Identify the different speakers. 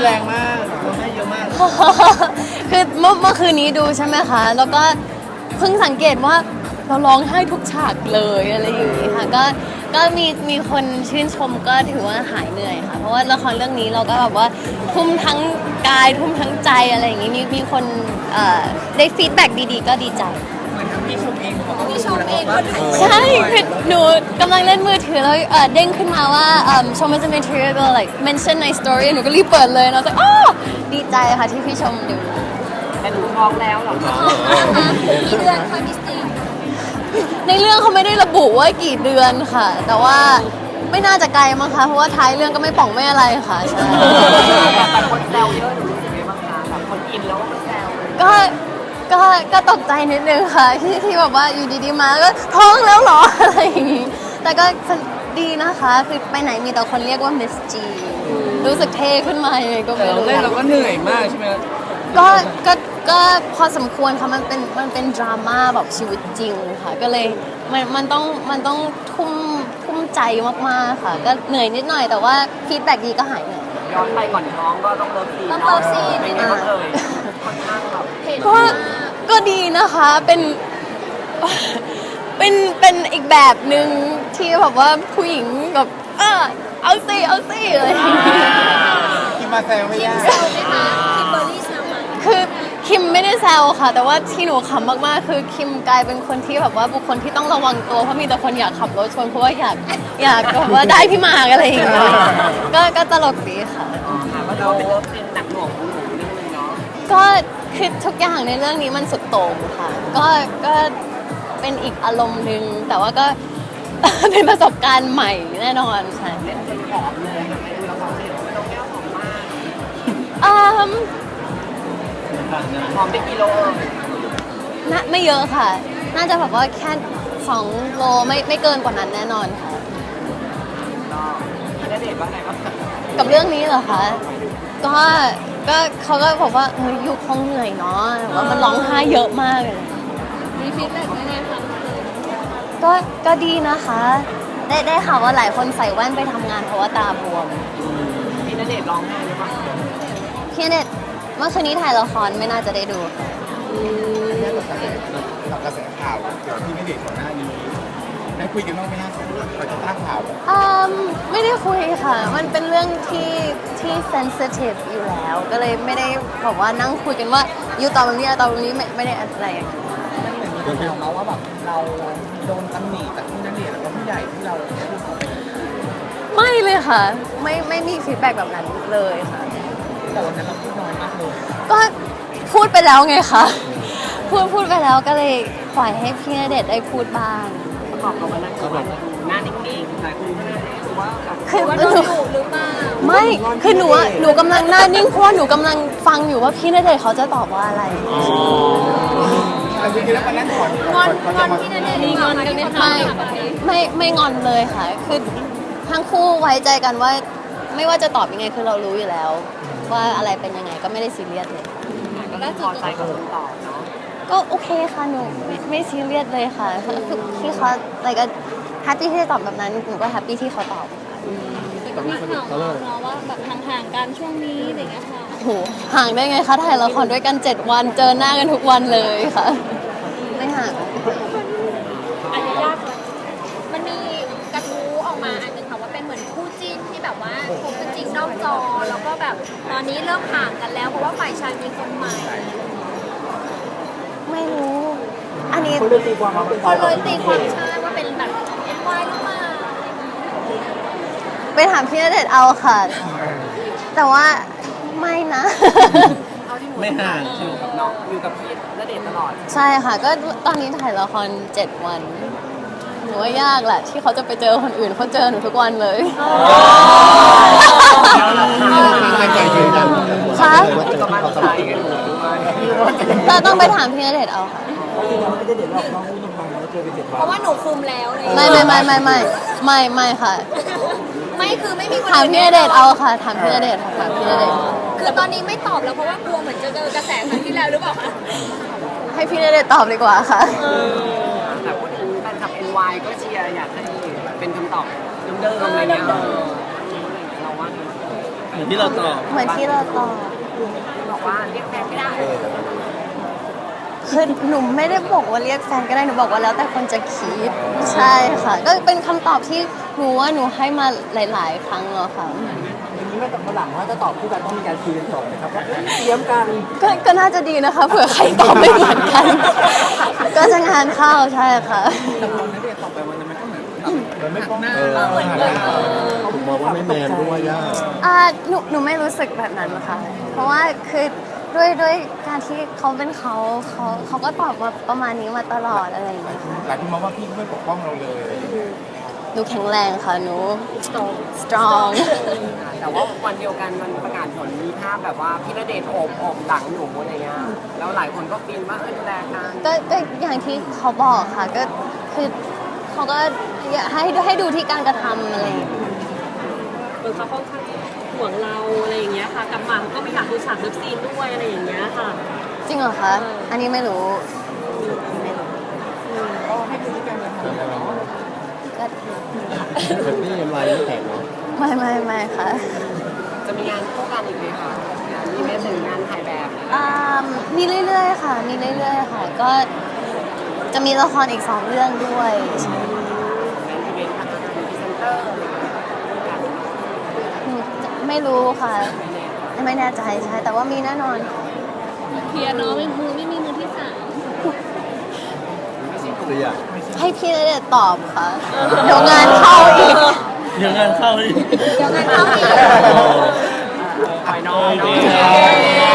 Speaker 1: แรงมากร้องไห้เยอะมาก
Speaker 2: คือเมื่อคืนนี้ดูใช่ไหมคะแล้วก็เพิ่งสังเกตว่าเราร้องไห้ทุกฉากเลยอะไรอย่างนี้ค่ะก็มีคนชื่นชมก็ถือว่าหายเหนื่อยค่ะเพราะว่าละครเรื่องนี้เราก็แบบว่าทุ่มทั้งกายทุ่มทั้งใจอะไรอย่างนี้มีคนได้ฟีดแบ็กดีๆก็ดีใจ
Speaker 1: เหมือนทั้งพี่ชมเองเขาก็
Speaker 3: พี่ชมเองก็ถ่าย
Speaker 2: ใช่คือหนูกำลังเล่นมือถือแล้วเด้งขึ้นมาว่าชม is a material like mention ใน story หนูก็รีบเปิดเลยแล้วก็อ๋อดีใจค่ะที่พี่ชมดู
Speaker 3: แต่หนูท้องแล้วเหรอคะกี่เดือนคะมิสตี้
Speaker 2: ในเรื่องเขาไม่ได้ระบุว่ากี่เดือนค่ะ แต่ว่าไม่น่าจะไกลมั้งคะเพราะว่าท้ายเรื่องก็ไม่ป่องไม่อะไรค่ะใช่
Speaker 3: แต่คนแซวเยอะหนูรู้สึกไงบ้างคะแบบคนอินแล้วก็แซว
Speaker 2: ก็ตกใจนิดนึงค่ะที่แบบว่าอยู่ดีๆมาแล้วก็ท้องแล้วเหรออะไรอย่างงี้แต่ก็ดีนะคะคือไปไหนมีแต่คนเรียกว่ามิสจีรู้สึกเท่ขึ้นมายังไงก็
Speaker 1: แต่
Speaker 2: ไม่
Speaker 1: เรา
Speaker 2: รู้
Speaker 1: เล่นเราก็เหนื่อยมากใช่ไหม
Speaker 2: ก็พอสมควรค่ะมันเป็นดราม่าแบบชีวิตจริงค่ะก็เลยมันต้องทุ่มใจมากๆค่ะก็เหนื่อยนิดหน่อยแต่ว่าฟีดแบ็กดีก็หายเหนื่อย
Speaker 3: ย้อนไปก่อนท้องก็ต้องเลิฟซีน
Speaker 2: ต้องเลิฟซีน
Speaker 3: เป็นไงบ้างเอ่ยค่อนข้างแบบเห็น
Speaker 2: ก็ดีนะคะเป็นอีกแบบหนึ่งที่แบบว่าผู้หญิงแบบเอาสิอะไรอย่างเงี้ย
Speaker 1: คิมมาแซวไม่ยาก
Speaker 3: คิมเบอร์รี่แซวไหม
Speaker 2: คือคิมไม่ได้แซวค่ะ แต่ว่าที่หนูขำมากๆคือคิมกลายเป็นคนที่แบบว่าบุคคลที่ต้องระวังตัวเพราะมีแต่คนอยากขับรถชนเพราะว่าอยากแบบว่าได้พี่หมากอะไรอย่างเงี้ยก็ตลกดีค่ะ
Speaker 3: ค่ะว่าเราเป็นเลิฟซีนหนักหน่วงของหนูนิดนึงเนาะ
Speaker 2: ก็คือทุกอย่างในเรื่องนี้มันสุดโต่งค่ะก็เป็นอีกอารมณ์หนึ่งแต่ว่าก็ เป็นประสบการณ์ใหม่แน่นอนค่ะ
Speaker 3: เป็นคนผอมเลยค่ะไปดูละครเสร็จน้องแก้วผอมมาก ผอมเป็นกิโล
Speaker 2: น่าไม่เยอะค่ะ น่าจะแบบว่าแค่2 โลไม่เกินกว่านั้นแน่นอนค่ะ
Speaker 3: ก็พี่ณเดชน์ว่าไงบ้างคะ
Speaker 2: กับเรื่องนี้เหรอคะก็เขาก็บอกว่าอยู่คงเหนื่อยเนาะว่ามันร้องไห้เยอะมากเลย
Speaker 3: มีฟีดแบ็กยังไงคะ
Speaker 2: ก็ดีนะคะ ได้ข่าวว่าหลายคนใส่แว่นไปทำงานเพราะว่าตาบวม
Speaker 3: พี่ณเดชน์ร้องไห้หรือเปล่า
Speaker 2: พี่เน็ตเมื่อคืนนี้ถ่ายละครไม่น่าจะได้ดูค่ะ
Speaker 1: กับกระแสข่าวเกี่ยวกับที่ไม่เด็กก่อนหน้านี้ได้คุยกันบ้างไหมฮะเราจะตั้งข่าว
Speaker 2: ไม่ได้คุยค่ะ มันเป็นเรื่องที่เซนซิทีฟอยู่แล้ว ก็เลยไม่ได้บอกว่านั่งคุยกันว่าอยู่ตอนนี้ตอนนี้ไม่ได้อะไรอย่างเงี้ย
Speaker 1: มันมีคนถามมาว่าแบบเราโดนตำหนิจากที่นักเรียนแล้วก็ผู้ใหญ่ที่เราพูดเขาไป
Speaker 2: ไม่เลยค่ะ ไม่มีฟีดแบ็กแบบนั้นเลยค่ะ
Speaker 1: แต่วันนั้นเราพูดน้อยมากเลย
Speaker 2: ก็พูดไปแล้วไงคะพูดไปแล้วก็เลยปล่อยให้พี่ณเดชน์ได้พูดบ้าง
Speaker 3: ประกอบกับวันนั้นคือแบบหน้านิ่งๆหลายคนก็เลยรู้สึกว่าแบบ
Speaker 2: คือ
Speaker 3: ว่า
Speaker 2: ห
Speaker 3: โด
Speaker 2: นู
Speaker 3: นดุหรือเปล่า
Speaker 2: ไม่คือหนูกำลังหน้านิ่งเพราะว่าหนูกำลังฟังอยู่ว่าพี่ณเดชน์เขาจะตอบว่าอะไร
Speaker 1: แต่จริงๆแล้ววันนั้นก่อน
Speaker 3: งอนพี่ณเดชน์งอนกันไหมคะ
Speaker 2: ไม่งอนเลยค่ะ คือทั้งคู่ไว้ใจกันว่าไม่ว่าจะตอบยังไงคือเรารู้อยู่แล้ว ว่าอะไรเป็นยังไงก็ไม่ได้ซีเรียสเลย
Speaker 3: ก็ได้พอใจกับคำตอบเนาะ
Speaker 2: ก็โอเคค่ะหนูไม่ซีเรียสเลยค่ะคือที่เขาอะไรก็แฮปปี้ที่จะตอบแบบนั้นหนูก็แฮปปี้ที่เขาตอบ
Speaker 3: แต่ก็มีข่าวมาเนาะว่าแบบห่างๆกันช่วงนี้อะไรอย่างเงี้ยค่ะ
Speaker 2: โอ้โหห่างได้ไงคะถ่ายละครด้วยกัน7 วันเจอหน้ากันทุกวันเลยค่ะ ไม่ห่าง
Speaker 3: อาจจะยากเลยมันมีกระทู้ออกมาอันหนึงค่ะว่าเป็นเหมือนคู่จิ้นที่แบบว่าคบกันจริงนอกจอ แล้วก็แบบตอนนี้เริ่มห่างกันแล้วเพราะว่าฝ่ายชายมีคนใหม่
Speaker 2: ไม่รู้ อันนี้
Speaker 1: เขาเลยตีความว่าเป็น
Speaker 3: คนเลยตีความใช่ว่าเป็นแบบเอ็นวายหรือเปล่า
Speaker 2: ไปถามพี่ณเดชน์เอาค่ะ แต่ว่าไม่นะ
Speaker 3: เอาที่หนู
Speaker 1: ไม่ห่าง
Speaker 3: อยู่กับน้องอยู่กับพี่ณเดชน์ตลอด
Speaker 2: ใช่ค่ะ ก็ตอนนี้ถ่ายละคร7 วันหนูว่ายากแหละ ที่เขาจะไปเจอคนอื่นเขาเจอหนูทุกวันเลย คะ
Speaker 3: ก็มั่นใจกันอยู่ด้วย
Speaker 2: เราต้องไปถามพี่ณเดชน์เอาค่ะ
Speaker 3: เพราะว่าหนูคุมแล้วเลย
Speaker 2: ไม่ค่ะ
Speaker 3: ไม่คือไม่มีคน
Speaker 2: ถามพี่ณเดชน์เอาค่ะ ถามพี่ณเดชน์ค่ะถามพี่ณเดชน์
Speaker 3: คือตอนนี้ไม่ตอบแล้วเพราะว่ากลัวเหมือนจะเจอกระแสครั้งที่แล้วหรือเปล่าคะ
Speaker 2: ให้พี่ณเดชน์ตอบดีกว่าค่ะ
Speaker 3: แต่พูดถึงแฟนคลับ NY ก็เชียร์อยากให้เป็นคำตอบเดิมๆอะไรเงี้ยเราว่าไง
Speaker 4: เหมือนที่เราตอบ
Speaker 2: เหมือนที่เราตอบ
Speaker 3: บอกว่าเรียกแฟนไม่ได้
Speaker 2: คือหนูไม่ได้บอกว่าเรียกแฟนก็ได้หนูบอกว่าแล้วแต่คนจะคิดใช่ค่ะ ก็เป็นคำตอบที่หนูว่าหนูให้มาหลาย ๆ ครั้งแล้วค่ะ
Speaker 1: อย่างนี้ไม่ต้องมาหลังว่าจะตอบคู่กันต้องมีการคุยกันก่อนนะครับว่าเตรียมกัน
Speaker 2: ก็น่าจะดีนะคะเผื่อใครตอบไม่เหมือนกัน ก็จะงานเข้าใช่ค่ะ
Speaker 1: แต่พอณเดชน์ตอบไปวันนั้นมันก็เหมือนมันไม่ป้องหน้า
Speaker 5: ผมมองว่าไม่แมนด้วยย่า
Speaker 2: หนูไม่รู้สึกแบบนั้นค่ะ เพราะว่าคือด้วยการที่เขาเป็นเขาก็ตอบมาประมาณนี้มาตลอดอะไรอย่างเงี้ยค่ะ
Speaker 5: หลายคนมองว่าพี่ไม่ปกป้องเราเลย
Speaker 2: หนูแข็งแรงค่ะหนู strong
Speaker 6: แต่ว่าวันเดียวกันมันประกาศผลมีภาพแบบว่าพี่ณเดชน์โอบหลังหนูอะไรเงี้ยแล้วหลายคนก็ฟินว่าดูแลกัน
Speaker 2: ก็อย่างที่เขาบอกค่ะก็คือเขาก็อยากให้ดูที่การกระทำอะไรอย่างเงี้ย
Speaker 7: เหมือนเขาค่อนข้างห่วงเราอะไรอย่างเงี้ยค่ะกลับมาเขาก็ไม่อยากดูฉากเลิฟซีนด้วยอะไรอย่างเงี้ยค่ะ
Speaker 2: จริงเหรอคะ อันนี้ไม่รู้
Speaker 1: ก็ให้ดูที่การกระทำเนาะ
Speaker 2: ก็
Speaker 5: แบบนี้ยังไงไม่แตกเนาะ
Speaker 2: ไม่ค่ะ
Speaker 6: จะมีงานคู่กันอีกไหมคะมีแม้ถึงงานถ่ายแบบ
Speaker 2: มีเรื่อยๆค่ะ มีเรื่อยๆค่ะ ก็จะมีละครอีก2 เรื่องด้วยใช่
Speaker 6: งานอีเวนต์ทางการพรีเซนเตอร์อะไรเงี้ย
Speaker 2: หนูไม่รู้ค่ะ ไม่แน่ใจใช่ แต่ว่ามีแน่นอน
Speaker 7: เคลียร์เนาะไม่มีมือที่สาม
Speaker 5: ตัวอย่าง
Speaker 2: ให้พี่ณเดชน์ตอบค่ะ เดี๋ยวงานเข้าอีก
Speaker 4: เดี๋ยวงานเข้าอีก
Speaker 2: เดี๋ยวงานเข้าอีก
Speaker 6: ไปน้อง
Speaker 4: โอเค